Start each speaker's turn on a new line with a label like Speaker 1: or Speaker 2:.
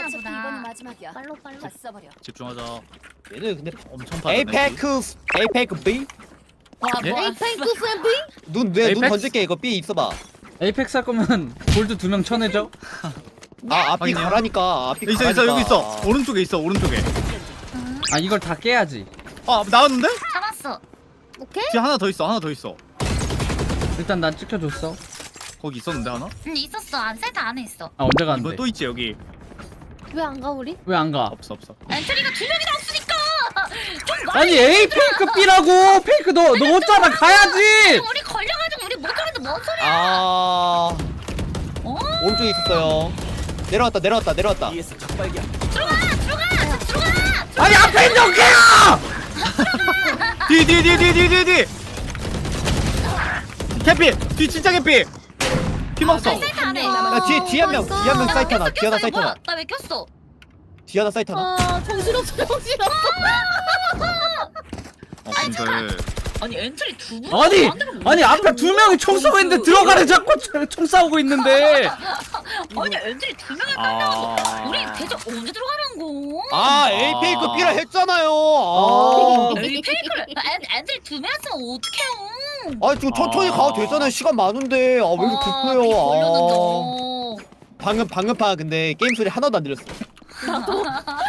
Speaker 1: 어차피 이번이
Speaker 2: 보다.
Speaker 1: 마지막이야.
Speaker 3: 빨로.
Speaker 1: 다 써버려.
Speaker 4: 집중하자.
Speaker 5: 얘는 근데
Speaker 4: 엄청 빠르네.
Speaker 5: 에이페크 B?
Speaker 4: 예?
Speaker 3: 에이펜크 쌤비?
Speaker 5: 눈
Speaker 4: 에이펙스?
Speaker 5: 던질게. 이거 B 있어봐.
Speaker 6: 에이펙스 할 거면 골드 2명 쳐내죠.
Speaker 5: 아 앞이
Speaker 4: 확인해요.
Speaker 5: 가라니까. 앞이
Speaker 4: 있어
Speaker 5: 가라니까.
Speaker 4: 여기 있어. 오른쪽에 있어 오른쪽에.
Speaker 6: 아 이걸 다 깨야지.
Speaker 4: 아 나왔는데?
Speaker 2: 잡았어.
Speaker 3: 오케이?
Speaker 4: 뒤에 하나 더 있어 하나 더 있어.
Speaker 6: 일단 난 찍혀줬어.
Speaker 4: 거기 있었는데 하나?
Speaker 2: 응 있었어. 세트 안에 있어.
Speaker 6: 아 언제
Speaker 4: 이번
Speaker 6: 가는데?
Speaker 4: 또 있지 여기.
Speaker 3: 왜 안 가 우리?
Speaker 6: 왜 안 가?
Speaker 4: 없어.
Speaker 2: 엔트리가 2명이나 없으니까. 좀
Speaker 6: 아니 A 페이크 B라고. 페이크 너 넣었잖아. 가야지.
Speaker 2: 우리 걸려가지고 우리 못 가는데 뭔 소리야?
Speaker 5: 아
Speaker 2: 어?
Speaker 5: 오른쪽에 있었어요. 내려왔다.
Speaker 2: 들어가.
Speaker 6: 아니 앞에 있는 개야.
Speaker 4: 뒤. 캐피. 뒤 진짜 캐피. 피 먹었어.
Speaker 2: 세트 안에.
Speaker 5: 나 뒤에 한 명 사이트 하나. 뒤에 하나 사이트 하나.
Speaker 2: 나왜 꼈어?
Speaker 5: 뒤에 하나 사이트 하나.
Speaker 3: 아 정신없어.
Speaker 4: 근데
Speaker 2: 아니 엔트리 두 분.
Speaker 6: 아니 앞에 2명이 총 쏘고 있는데 들어가래 자꾸 총 싸우고 있는데.
Speaker 2: 아니 엔트리 2명이
Speaker 4: 아.
Speaker 2: 깔려고. 우리 대체 언제 들어가는 거?
Speaker 5: 아 에이페이크 B라 했잖아요. 아.
Speaker 2: 여기 페이크를 엔트리 2명이었으면 어떡해요?
Speaker 5: 아 지금 천천히 가도 되잖아요. 시간 많은데. 아 왜 이렇게 급해요.
Speaker 2: 걸렸는데.
Speaker 5: 방금 파 근데 게임 소리 하나도 안 들렸어.